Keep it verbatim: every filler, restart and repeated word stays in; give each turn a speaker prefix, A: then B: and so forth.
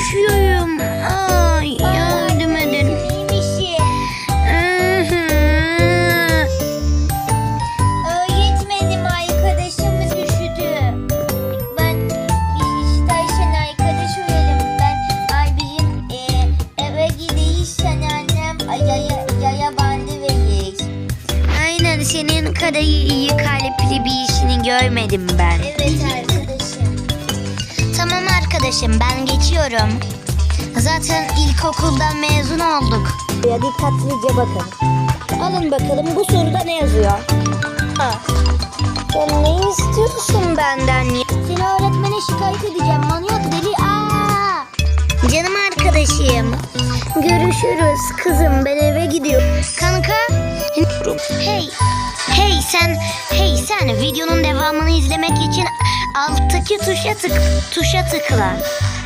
A: düşüyorum. Ay yardım edin.
B: Öğretmenim, arkadaşımız üşüdü. Ben biz Ayşen arkadaş olalım. Ben abicim e, eve gideysen annem ay, yaya, yaya bandı verir.
A: Aynen senin kadar iyi kalpli bir işini görmedim ben.
B: Evet arkadaşım.
A: Tamam arkadaşım ben geçiyorum. Zaten ilkokuldan mezun olduk.
C: Ya dikkatlice bakın. Alın bakalım bu soruda ne yazıyor?
A: Ha. Sen ne istiyorsun benden ya?
B: Seni öğretmene şikayet edeceğim. Manyak deli. Aa!
A: Canım arkadaşım. Görüşürüz kızım ben eve gidiyorum. Kanka. Hey. Hey sen. Hey sen videonun devamını izlemek için alttaki tuşa tık tuşa tıkla.